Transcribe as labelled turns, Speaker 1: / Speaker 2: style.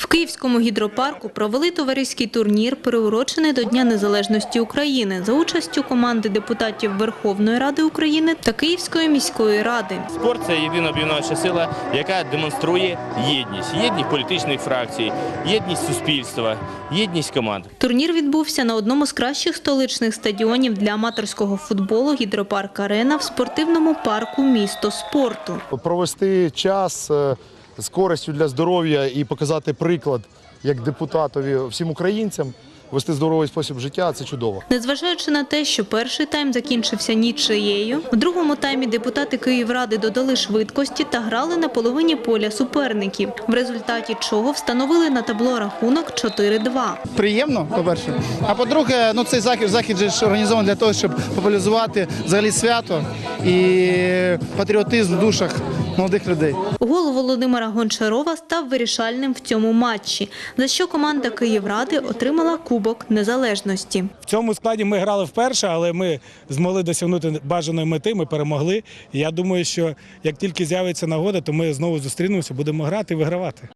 Speaker 1: В Київському гідропарку провели товариський турнір, приурочений до Дня Незалежності України, за участю команди депутатів Верховної Ради України та Київської міської ради.
Speaker 2: Спорт – це єдина об'єднуюча сила, яка демонструє єдність. Єдність політичних фракцій, єдність суспільства, єдність команд.
Speaker 1: Турнір відбувся на одному з кращих столичних стадіонів для аматорського футболу «Гідропарк-Арена» в спортивному парку «Місто спорту».
Speaker 3: Провести час з користю для здоров'я і показати приклад як депутатові всім українцям, вести здоровий спосіб життя – це чудово.
Speaker 1: Незважаючи на те, що перший тайм закінчився нічиєю, в другому таймі депутати Київради додали швидкості та грали на половині поля суперників, в результаті чого встановили на табло рахунок 4-2.
Speaker 4: Приємно, по-перше. А по-друге, цей захід же ж організований для того, щоб популяризувати взагалі свято і патріотизм в душах молодих людей.
Speaker 1: Гол Володимира Гончарова став вирішальним в цьому матчі, за що команда Київради отримала Кубок Незалежності.
Speaker 5: В цьому складі ми грали вперше, але ми змогли досягнути бажаної мети, ми перемогли. І я думаю, що як тільки з'явиться нагода, то ми знову зустрінемося, будемо грати і вигравати.